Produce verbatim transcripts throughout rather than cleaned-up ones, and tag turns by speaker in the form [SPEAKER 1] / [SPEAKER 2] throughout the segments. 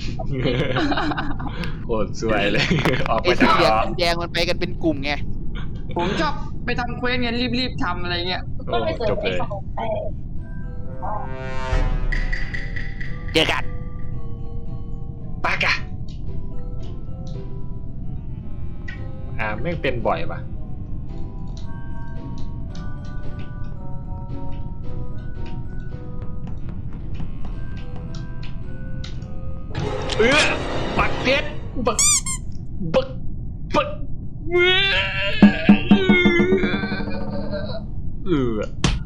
[SPEAKER 1] โคตรสวยเลยออก
[SPEAKER 2] ไอ้
[SPEAKER 1] มา
[SPEAKER 2] สี
[SPEAKER 1] จาก
[SPEAKER 2] เหลือง
[SPEAKER 1] ล้อ
[SPEAKER 2] สีแดงมันไปกันเป็นกลุ่มไง
[SPEAKER 3] ผมชอบไปทำเควสเงี้ยรีบๆทำอะไรเงี้ย
[SPEAKER 1] โอ้จบเลย
[SPEAKER 2] เจอกัน
[SPEAKER 1] ปากะอ่าไม่เป็นบ่อยปะเออปักเพชรบักบักบักเว้ยเออ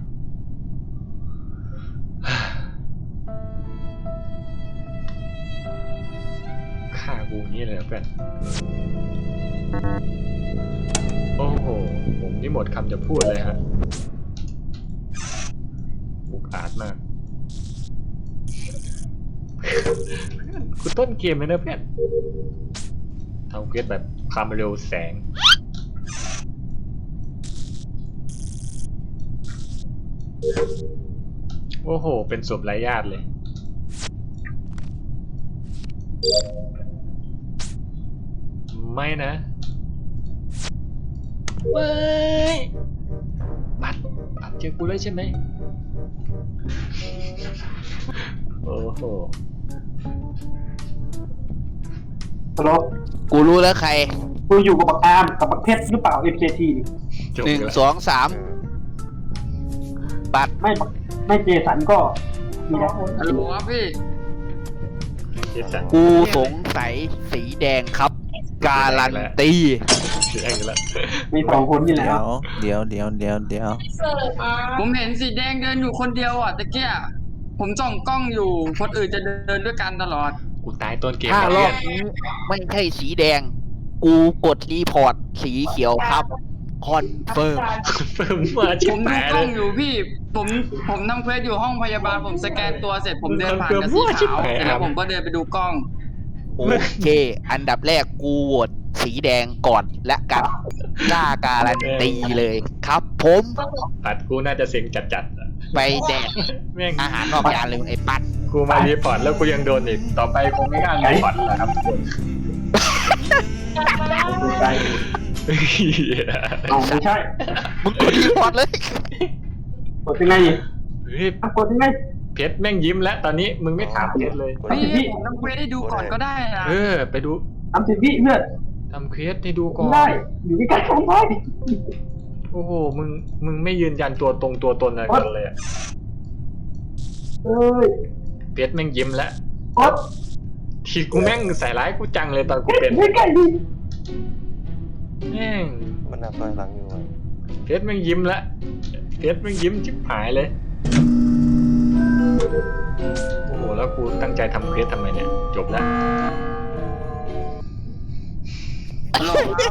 [SPEAKER 1] ฆ่ากูงี้เลยเหรอเพื่อนโอ้โหผมนี่หมดคำจะพูดเลยฮะบุกอาจมากกูต้นเกมเลยนะเพื่อนทำเควสแบบความเร็วแสงโอ้โหเป็นศพไร้ญาติเลยไม่นะไม่ปัดปัดเจอกูเลยใช่ไหมโอ้โห
[SPEAKER 4] ฮัลโหล
[SPEAKER 2] กูรู้แล้วใคร
[SPEAKER 4] กูอยู่กับบักอาร์มกับบักเพชรหรือเปล่า เอ็ม เค ที นี่
[SPEAKER 1] จบ
[SPEAKER 2] หนึ่ง
[SPEAKER 1] แล้ว
[SPEAKER 2] สองสามปัด
[SPEAKER 4] ไม่บักไม่เจสันก็มีนะ
[SPEAKER 3] ฮัลโหลครับพี่
[SPEAKER 1] เจสัน
[SPEAKER 2] กูสงสัยสีแดงครับ การันตี
[SPEAKER 1] เสียงแล้ว
[SPEAKER 4] มีสองคนนี่แหละ
[SPEAKER 5] เดี๋ยวเดี๋ยวเดี๋ยวเดี๋ยวเดี๋ยว
[SPEAKER 3] ผมเห็นสีแดงเดินอยู่คนเดียวอ่ะตะเกียผมส่องกล้องอยู่คนอื่นจะเดินด้วยกันตลอด
[SPEAKER 1] กูตายต้นเกม
[SPEAKER 2] ถ้า
[SPEAKER 1] แล้ว
[SPEAKER 2] รอ
[SPEAKER 1] เพื่อบ น
[SPEAKER 2] นี้ไม่ใช่สีแดง กูกดรีพอร์ตสีเขียวครับ คอนเฟิร์ม
[SPEAKER 1] เฟิร์มมาชิ
[SPEAKER 3] ผ
[SPEAKER 1] บ
[SPEAKER 3] มดู
[SPEAKER 1] หาย
[SPEAKER 3] ก
[SPEAKER 1] เล
[SPEAKER 3] ล้อย งอยู่พี่ ผมผมทำเควสอยู่ห้องพยาบาลผมสแกนตัวเสร็จผมเดินผ่านกับสีขาวเสร็จแล้วผมก็เดินไปดูกล้อง
[SPEAKER 2] โอเค อันดับแรกกูโหวตสีแดงก่อนและกันกล้าการันตีเลยครับ ผม
[SPEAKER 1] ปัดกูน่าจะเซ็งจัดๆอะ
[SPEAKER 2] ไปแดก
[SPEAKER 1] แม่ง
[SPEAKER 2] อาหารนอกจานเลยไอ้ปัด
[SPEAKER 1] กูมารีพอร์ตแล้วกูยังโดนอีกต่อไปคงไม่กล้ารีพอร์ตแล้วครับทุกคน
[SPEAKER 4] ดูใจเอาไม่ใช่
[SPEAKER 2] มึงกดรีพอร์ตเลย
[SPEAKER 4] กดยังไงนี่
[SPEAKER 1] เฮ้ย
[SPEAKER 4] อ่ะกดยังไง
[SPEAKER 1] เพชรแม่งยิ้มแล้วตอนนี้มึงไม่ถามเพชรเลย
[SPEAKER 3] พี่ผมทำเควสให้ดูก่อนก็ได้นะ
[SPEAKER 1] เออ ไปดู
[SPEAKER 4] ทำสิพี่เพื่อน
[SPEAKER 1] ทำเควสให้ดูก่อน
[SPEAKER 4] ได้ อยู่ที่การทำได้
[SPEAKER 1] โอ้โหมึงมึงไม่ยืนยันตัวตรงตัวตนอะไรกันเลยอะ
[SPEAKER 4] เอ้ย
[SPEAKER 1] เพชรแม่งยิ้มแล้ว
[SPEAKER 4] กด
[SPEAKER 1] ทีกูแม่งใส่ร้ายกูจังเลยตอนกูเป็น
[SPEAKER 4] ไม่ไกลดิ
[SPEAKER 1] แม่ง
[SPEAKER 5] มันนับถอยหลังอยู่อะ
[SPEAKER 1] เพชรแม่งยิ้มแล้วเพชรแม่งยิ้มชิบหายเลยโอ้โหแล้วกูตั้งใจทำเควสทำไมเนี่ยจบแล้ว
[SPEAKER 3] ฮัลโหลครับ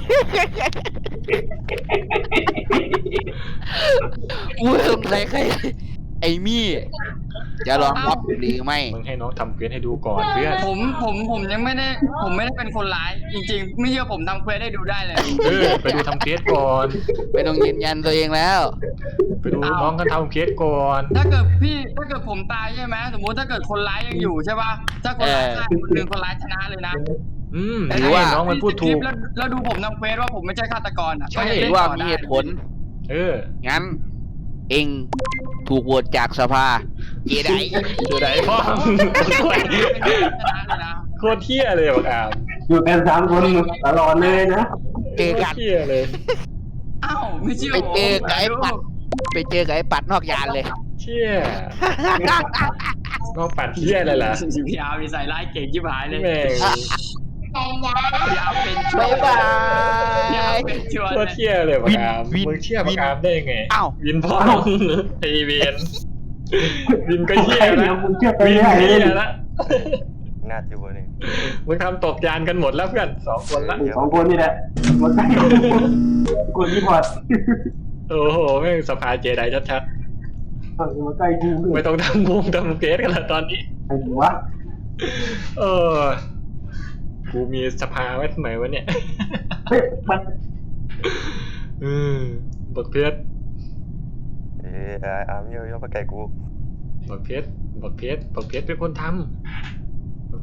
[SPEAKER 2] กูสงสัยใครไอ้มี่จะลองรับหรือไม่
[SPEAKER 1] มึงให้น้องทำเควสให้ดูก่อนเพื่อน
[SPEAKER 3] ผมผมผมยังไม่ได้ผมไม่ได้เป็นคนร้าย จริงๆ ไม่เชื่อผมทำเควสให้ดูได้เลย
[SPEAKER 1] เออไปดูทำเควสก่อน
[SPEAKER 2] ไม่ต้องยืนยันตัวเองแล้ว
[SPEAKER 1] ไปดูน้องกันทำเควสก่อน
[SPEAKER 3] ถ้าเกิดพี่ถ้าเกิดผมตายใช่ไหมสมมุติถ้าเกิดคนร้ายยังอยู่ใช่ป่ะถ้าคนร้ายฆ่าคนหนึ่งคนร้ายชนะเลยนะ
[SPEAKER 1] อืม
[SPEAKER 2] หรื
[SPEAKER 1] ใช่
[SPEAKER 2] อว่า
[SPEAKER 1] น้องมันพูดถูก
[SPEAKER 3] แล้วแล้วดูผมทำเควสว่าผมไม่ใช่ฆาตกรอ่ะ
[SPEAKER 1] ใช่
[SPEAKER 3] ก็ยัง
[SPEAKER 2] หรื
[SPEAKER 3] เล่
[SPEAKER 2] อน ว่า
[SPEAKER 3] ต่อ
[SPEAKER 2] มี
[SPEAKER 3] ได้
[SPEAKER 2] เหตุผล
[SPEAKER 1] เออ
[SPEAKER 2] งั้น เองถูกโหวตจากสภาเจได
[SPEAKER 1] เจอไหนพ่อ
[SPEAKER 3] เป็นผู้ชนะเลยนะ
[SPEAKER 1] โคตรเที่ยเลยบักอาม
[SPEAKER 4] อยู่กันสามคนตลอดเลยนะ
[SPEAKER 2] เจอ
[SPEAKER 1] โคต
[SPEAKER 2] กั
[SPEAKER 1] ร
[SPEAKER 2] น
[SPEAKER 1] เที่ยเลย
[SPEAKER 3] อ้าวไม่เชื่อ
[SPEAKER 2] ไป
[SPEAKER 3] ผม
[SPEAKER 2] เจอกับไอ้ปัด ไปเจอกับไอ้ปัดนอกยานเลย
[SPEAKER 1] เที่ยน้องปัดเที่ยอะไรล่ะ
[SPEAKER 3] พี่อาร์มีใส่ร้ายเก่งชิบหายเลย
[SPEAKER 1] แม่ง
[SPEAKER 3] พี่อาร์เป็นชัว
[SPEAKER 2] บ๊าย
[SPEAKER 3] ร์
[SPEAKER 2] บา
[SPEAKER 3] พี่อาร์
[SPEAKER 2] ย
[SPEAKER 3] เป็นชัวร์
[SPEAKER 1] โค
[SPEAKER 3] เล
[SPEAKER 1] ตร
[SPEAKER 3] ย
[SPEAKER 1] เที่ยเลยบักอาม
[SPEAKER 2] วิน
[SPEAKER 1] มึงเที่ย
[SPEAKER 2] วิ
[SPEAKER 1] บั
[SPEAKER 2] น
[SPEAKER 1] กอามได้ยังไง
[SPEAKER 2] อ้าว
[SPEAKER 1] วินพ่อไอเวียนวินก็เที่ย
[SPEAKER 4] เดี๋
[SPEAKER 1] แล้
[SPEAKER 4] ยว วมึงเชื่อไป
[SPEAKER 1] วิน
[SPEAKER 4] ไม่ได้
[SPEAKER 1] เที่
[SPEAKER 4] เลย
[SPEAKER 1] ยแล้ว
[SPEAKER 5] น่าจะวันนี้
[SPEAKER 1] มึงทำตกยานกันหมดแล้วเพื่อนสองคนละ
[SPEAKER 4] สองคนนี่แหละหมดใจกดรีพอร์ต
[SPEAKER 1] โอ้โหแม่งสภาเจไดชัด
[SPEAKER 4] เออมาใกล้กู
[SPEAKER 1] ๆ ไม่ต้องทำวงทำเกสกันละตอนนี้
[SPEAKER 4] ไอ้วะ
[SPEAKER 1] เออ กูมีสภาไว้ทำไมวะเนี่ย
[SPEAKER 4] เฮ้ยมัน
[SPEAKER 1] เออบักเพชร
[SPEAKER 5] เออไอ้อาร์มเยอะๆมาไกลกู
[SPEAKER 1] บักเพชรบักเพชรบักเพชรเป็นคนทำบัก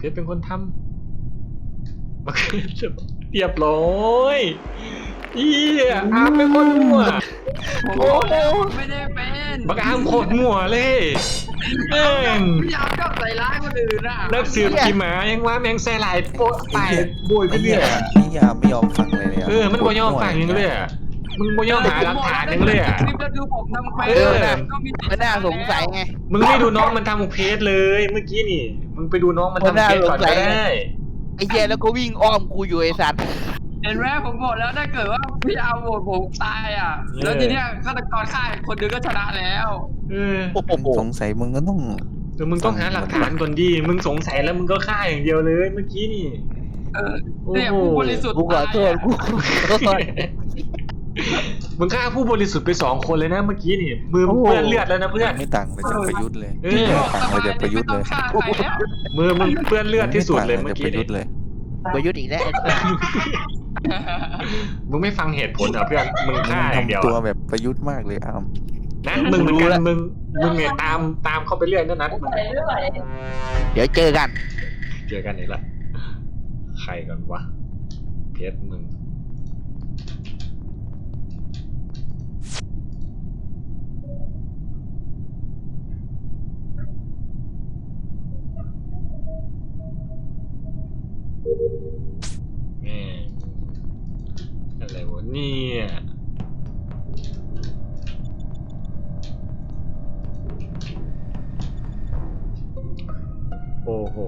[SPEAKER 1] เพชรเป็นคนทำบักเพชรเรียบร้อยอีอาร์มเป็นคนมั่ว
[SPEAKER 3] ผมบอกแล้วไม่ได้เป็น
[SPEAKER 1] บักอาร์มโคตรมั่วเลยแม่ง
[SPEAKER 3] พี่อาร์มชอบใส่ร้ายคนอื่นอ่ะ
[SPEAKER 1] นักสืบขี่หมายังว่าแมงแซ่หลายโป๊ะไปโบยไป
[SPEAKER 5] ไอ้
[SPEAKER 1] เรื่
[SPEAKER 5] เหี้
[SPEAKER 1] อย ย
[SPEAKER 5] นี่ยามไม่ยอมฟังเลยเนี่ย
[SPEAKER 1] เออมันบ่ยอมฟังยังเลยอ่ะมึงบ่ยอมหาหลักฐานยังเลยอ่ะ
[SPEAKER 3] คลิปแล้วดูผมทำเควส
[SPEAKER 1] เออ
[SPEAKER 3] ก็มีติด
[SPEAKER 2] มันน่าสงสัยไง
[SPEAKER 1] มึงไม่ดูน้องมันทำเพจเลยเมื่อกี้นี่ มึงไปดูน้องมันทำเพจก่อนก็ได้
[SPEAKER 2] ไอ้เหี้ยแล้วก็วิ่งอ้อมกูอยู่ไอ้สัตว์
[SPEAKER 3] เห็นไหมผมบอกแล้วถ้าเกิดว่าพี่อาร์มโหวตผมตายอ่ะ แล้วทีเนี้ยฆาตกรฆ่าอีกคนนึงก็ชนะแล้ว
[SPEAKER 1] เออ
[SPEAKER 2] โอ้โห
[SPEAKER 5] สงสัยมึงก็ต้อง
[SPEAKER 1] เดี๋ยวมึงต้องหาหลักฐานก่อนดิมึงสงสัยแล้วมึงก็ฆ่าอย่างเดียวเลยเมื่อกี้นี่
[SPEAKER 3] เออเนี่ยผู้บริสุทธิ์
[SPEAKER 2] กูขอโทษกูขอโทษ
[SPEAKER 1] มึงฆ่าผู้บริสุทธิ์ไปสองคนเลยนะเมื่อกี้นี่มือมึงเปื้อนเลือดแล้วนะเพื่อน
[SPEAKER 5] ไม่ต่างไปจากประยุทธ์เลย
[SPEAKER 1] เออ
[SPEAKER 3] พี่บอก
[SPEAKER 5] ต่าง
[SPEAKER 3] ส
[SPEAKER 5] ไป
[SPEAKER 3] บาย
[SPEAKER 5] จากประยุทธ์เลย
[SPEAKER 3] ไม่ต้องฆ่าใครแล้ว
[SPEAKER 1] มือมึงเปื้อนเลือดที่สุดเลยเมื่อกี้
[SPEAKER 5] ประยุ
[SPEAKER 1] นี่
[SPEAKER 5] ทธ์เลย
[SPEAKER 2] ประยุทธ์อีกแล้วไอ้สัตว์
[SPEAKER 1] มึงไม่ฟังเหตุผลเหรอเพื่อนมึงฆ่าอย่างเดียว
[SPEAKER 5] ทำตัว
[SPEAKER 1] อะ
[SPEAKER 5] แบบประยุทธ์มากเลยอาม
[SPEAKER 1] นะมึงเหมือนกันมึงมึงเนี่ยตามตามเข้าไปเรื่อยนั่นนะมึง
[SPEAKER 2] เดี๋ยวเจอกัน
[SPEAKER 1] เจอกันอีกละใครกันวะเพชรมึงแม่งอะไรวะเนี่ยโอ้โห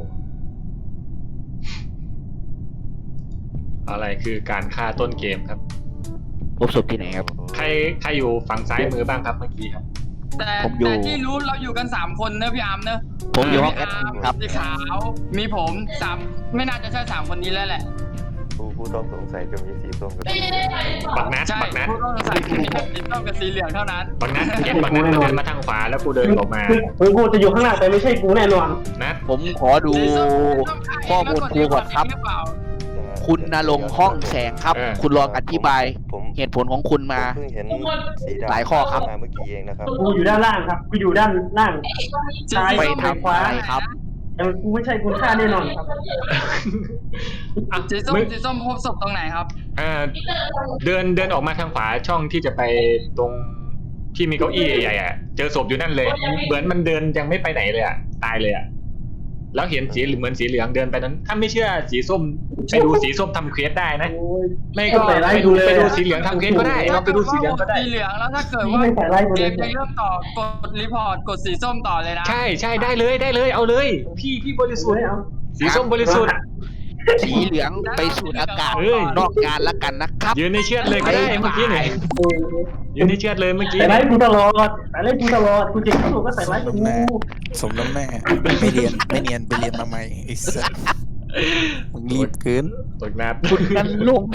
[SPEAKER 1] อะไรคือการฆ่าต้นเกมครับ
[SPEAKER 2] พบศพที่ไหนครับ
[SPEAKER 1] ใครใครอยู่ฝั่งซ้ายมือบ้างครับเมื่อกี้ครับ
[SPEAKER 3] แต่
[SPEAKER 2] ผมอยู่
[SPEAKER 3] แต่ที่รู้เราอยู่กันสามคนเนอะพี่อาร์มเนอะ
[SPEAKER 2] ผมอยู่ห้องแอ
[SPEAKER 3] พี่
[SPEAKER 2] ด
[SPEAKER 3] อาร์ม
[SPEAKER 2] ครับ
[SPEAKER 3] สีขาวมีผมสามไม่น่าจะใช่สามคนนี้แล้วแหละ
[SPEAKER 5] ผู้ผู้ต้องสงสัยจะมีสีส้มกับสี
[SPEAKER 1] บักนัด
[SPEAKER 3] ใช่
[SPEAKER 1] บักนัด
[SPEAKER 3] ผู้ต้องสงสัยมีแค่สีส้มกับสีเหลืองเท่านั้น
[SPEAKER 1] บักนัดเห็นบักนัดมันเดินมาทางขวาแล้วกูเดินออกมา
[SPEAKER 4] มึงกูจะอยู่ข้างหน้าแต่ไม่ใช่กูแน่นอน
[SPEAKER 1] นัด
[SPEAKER 2] ผมขอดูข้อมูลครูก่อนครับ
[SPEAKER 3] หรือเปล่า
[SPEAKER 2] คุณนรงค์ห้องแสงครับ คุณลองอธิบาย
[SPEAKER 5] ผม
[SPEAKER 2] เหตุผลของคุณมา
[SPEAKER 5] เพิ่งเห็นสีดำ
[SPEAKER 2] หลายข้อครับ
[SPEAKER 5] มาเมื่อกี้เองนะครับ
[SPEAKER 4] กูอยู่ด้านล่างครับ กูอยู่ด้านล่าง
[SPEAKER 3] สี
[SPEAKER 4] ซ้าย
[SPEAKER 2] ไป
[SPEAKER 3] ส้ม
[SPEAKER 2] ทำอะไรครับ
[SPEAKER 4] แต่กูไม่ใช่คุณค่าแน่นอนครับ
[SPEAKER 1] อ่ะ
[SPEAKER 3] สีส้ม
[SPEAKER 1] มึง
[SPEAKER 3] สีส้มพบศพตรงไหนครับ
[SPEAKER 1] อ่าเดินเดินออกมาทางขวาช่องที่จะไปตรงที่มีเก้าอี้ใหญ่ๆอ่ะเจอศพอยู่นั่นเลย เหมือนมันเดินยังไม่ไปไหนเลยอ่ะตายเลยอ่ะแล้วเห็นสีเหมือนสีเหลืองเดินไปนั้น ถ้าไม่เชื่อสีส้มไปดูสีส้มทำเควสได้นะ
[SPEAKER 4] โอ้ย
[SPEAKER 1] ไม่ก็
[SPEAKER 4] ใส่ร้าย
[SPEAKER 1] ไป
[SPEAKER 4] กู
[SPEAKER 1] ดู
[SPEAKER 4] เลย
[SPEAKER 1] ไปดูสีเหลืองทำเควสก็ได้เราไปดูสีเหลืองก็ได้
[SPEAKER 3] สีเหลืองแล้วถ้าเกิดว่า
[SPEAKER 4] ไม่ใส่ร้ายกู
[SPEAKER 3] เก
[SPEAKER 4] เลย
[SPEAKER 3] มจะเริ่มต่อกดรีพอร์ตกดสีส้มต่อเลยนะ
[SPEAKER 1] ใช่ใช่ได้เลยได้เลยเอาเลย พี่พี่บริสุทธิ์สีส้มบริสุทธิ์
[SPEAKER 2] สีเหลืองไปสูดอากาศ
[SPEAKER 1] เอ้ย
[SPEAKER 2] นอกงานละกันนะครับ
[SPEAKER 1] ยืนในเชือดเลยก็ได้เมื่อกี้เนี่ยยืนในเชือดเลยเมื่อกี้
[SPEAKER 4] ใส่ร้ายกูตลอดใส่ร้ายกูตลอดกูเจ็บกูก็ใส่ร้ายกู
[SPEAKER 5] สมน้ำหน้าไม่เรียนไม่เรียนไปเรียนมาใหม่ไอ้สัสมึงรีบเกิน
[SPEAKER 1] ตกนัด
[SPEAKER 2] คุณกันลงค์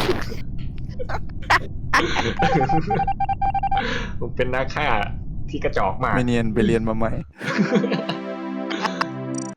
[SPEAKER 1] ผมเป็นนักฆ่าที่กระจอกมาก
[SPEAKER 5] ไม่เรียนไปเรียนมาใหม่
[SPEAKER 1] เ